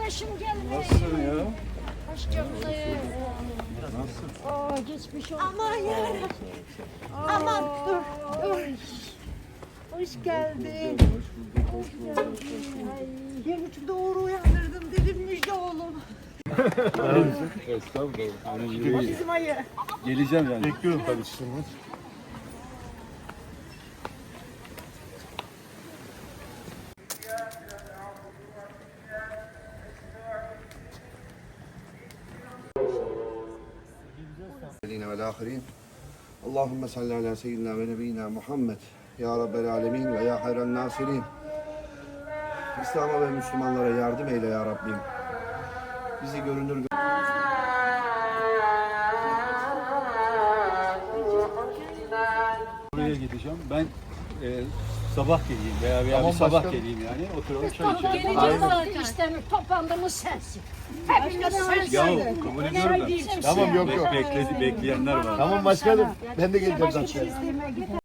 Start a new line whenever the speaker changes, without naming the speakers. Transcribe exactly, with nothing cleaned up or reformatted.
başım geldi.
Nasılsın ya?
Hoş geldin.
Nasılsın?
Aa, geçmiş olsun.
Aman yarabbim. Aman dur dur. Hoş geldin.
Hoş bulduk, hoş bulduk.
Bir buçukta Uğur'u uyandırdım dedim müjde oğlum.
Estağfurullah.
O
Yani
bizim ayı.
geleceğim yani.
Bekliyorum kardeşim.
والآخرين اللهم صل على سيدنا ونبينا Muhammed ya Rabbel Alemin ve ya hayran nasirin. İslam'a ve Müslümanlara yardım eyle ya Rabbim. Bizi görünür
Buraya gideceğim. Ben e, sabah geleyim veya veya
Tamam,
bir sabah
başkanım.
geleyim yani. Oturalım çay içelim.
Geleceğiz zaten. İşte toplandığımız sensin. Hepimiz sensin.
Ya kabul ediyorum da.
Tamam, yok, yok.
Bekledi, bekleyenler var.
Tamam başkanım. Ben de geleceğim zaten.